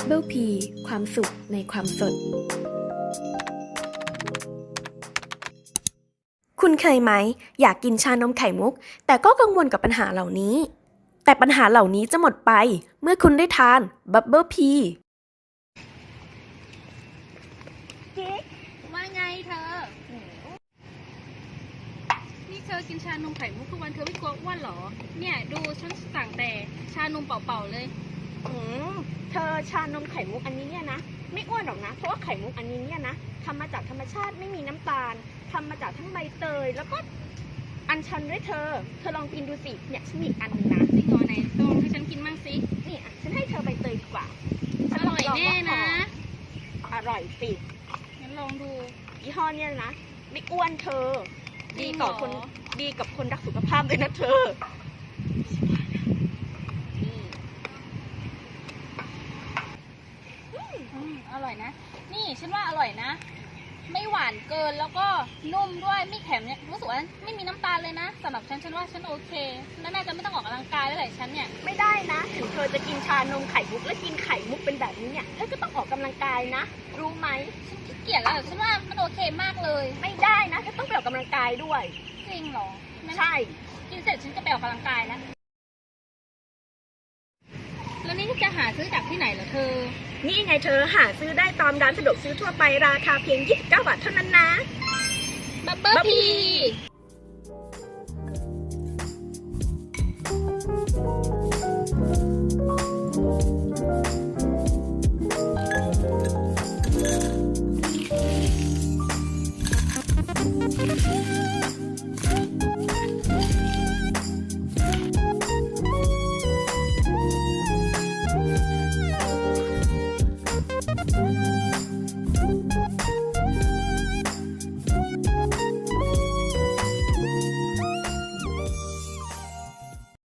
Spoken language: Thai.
Bubble P ความสุขในความสดคุณเคยไหมอยากกินชานมไข่มุกแต่ก็กังวลกับปัญหาเหล่านี้แต่ปัญหาเหล่านี้จะหมดไปเมื่อคุณได้ทาน Bubble P กิ๊กว่าไงเธอ นี่เธอกินชานมไข่มุกทุกวันเธอไม่กลัวอ้วนเหรอ เนี่ยดูฉันสั่งแต่ชานมเปล่าๆเลยเธอชานมไข่มุกอันนี้เนี่ยนะไม่อ้วนหรอกนะเพราะว่าไข่มุกอันนี้เนี่ยนะทำมาจากธรรมชาติไม่มีน้ำตาลทำมาจากทั้งใบเตยแล้วก็อัญชันด้วยเธอลองกินดูสิเนี่ยฉันมีอีกอันนึงนะจริงเหรอไหนลองให้ฉันกินบ้างสินี่อ่ะฉันให้เธอใบเตยดีกว่าอร่อยแน่นะอร่อยสิงั้นลองดูยี่ห้อเนี่ยนะไม่อ้วนเธอจริดีงเหรอต่อคนดีกับคนรักสุขภาพเลยนะเธออร่อยนะ นี่ฉันว่าอร่อยนะ ไม่หวานเกินแล้วก็นุ่มด้วยไม่แข็งเนี่ยรู้สึกว่าไม่มีน้ำตาลเลยนะสำหรับฉันว่าฉันโอเคแล้วน่าจะไม่ต้องออกกำลังกายแล้วแหละฉันเนี่ยไม่ได้นะถึงเธอจะกินชานมไข่มุกและกินไข่มุกเป็นแบบนี้เนี่ยเธอก็ต้องออกกำลังกายนะรู้ไหมฉันขี้เกียจแล้วฉันว่ามันโอเคมากเลยไม่ได้นะเธอต้องไปออกกำลังกายด้วยจริงเหรองั้นใช่กินเสร็จฉันจะไปออกกำลังกายแล้วนี่จะหาซื้อจากที่ไหนเหรอเธอนี่ไงเธอหาซื้อได้ตามร้านสะดวกซื้อทั่วไปราคาเพียง29 บาทเท่านั้นนะ Bubble Tea